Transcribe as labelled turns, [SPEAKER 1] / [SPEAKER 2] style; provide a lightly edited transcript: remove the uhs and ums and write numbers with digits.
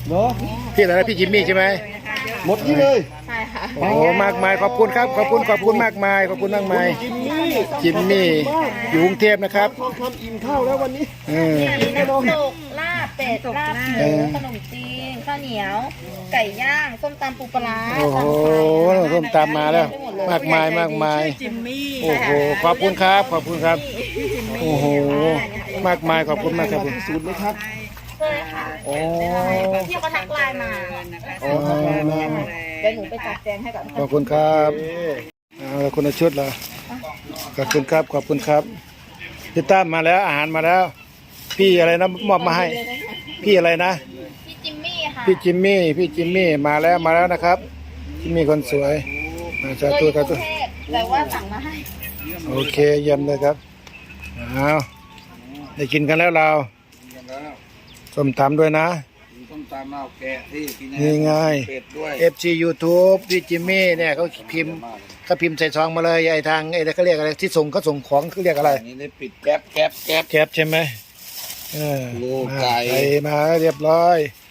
[SPEAKER 1] เนาะ
[SPEAKER 2] พี่อะไรนะพี่จิมมี่ใช่ไหม
[SPEAKER 1] หมดนี่เลย
[SPEAKER 3] ใช่ค่ะ
[SPEAKER 2] โอ้โหมากมายขอบคุณครับขอบคุณมากมายขอบคุณมากมาย
[SPEAKER 1] จิมมี่
[SPEAKER 2] จิมมี่อยู่กรุงเทพนะครับ
[SPEAKER 1] ทองคำอิ่มข้าวแล้ววันนี้
[SPEAKER 3] น้ำตกลาบเป็ดลาบหมูขนมจีนข้าวเหนียว ไก่ย่างส้มตำปูปลาร้า
[SPEAKER 2] โอ้โหส้มตำมาแล้ว มากมายมากมายโอ้โหขอบคุณครับขอบคุณครับโอ้โหมากมายขอบคุณมากครับ
[SPEAKER 1] สูตรไหมครับ
[SPEAKER 3] ใช่ค่ะ
[SPEAKER 2] โอ้
[SPEAKER 3] พี่เขาทักไลน์มา
[SPEAKER 2] โอ้
[SPEAKER 3] เดี๋ยวหนูไปจัดแจงให้ก่อน
[SPEAKER 2] ขอบคุณครับเอาคนละชุดเหรอขอบคุณครับขอบคุณครับพี่ตั้มมาแล้วอาหารมาแล้ว พี่อะไรนะมอบมาให้ พี่อะไรนะ
[SPEAKER 3] พี่จิมมี่ค่ะ
[SPEAKER 2] พี่จิมมี่มาแล้วนะครับจิมมี่คนสวยมาจาก
[SPEAKER 3] ตัว
[SPEAKER 2] ตัว
[SPEAKER 3] อยู่
[SPEAKER 2] กับตัว
[SPEAKER 3] กรุงเทพแต่ว่าสั่งมาให้
[SPEAKER 2] โอเคเยี่ยมเลยครับเอาได้กินกันแล้วเราส้มตำด้วยนะ
[SPEAKER 4] ต้องตามเอาแกะที่กิน
[SPEAKER 2] นี่ไง
[SPEAKER 4] เป็ดด้วย
[SPEAKER 2] FC YouTube พี่จิมมี่เนี่ยเขาพิมพ์ใส่ซองมาเลยไอ้ทางไอ้เขาเรียกอะไรที่เขาส่งของเขาเรียกอะไร
[SPEAKER 4] อันนี้ได้ปิดแก๊บ
[SPEAKER 2] แคปใช่ไหมเออ
[SPEAKER 4] โลไก่
[SPEAKER 2] มาเรียบร้อย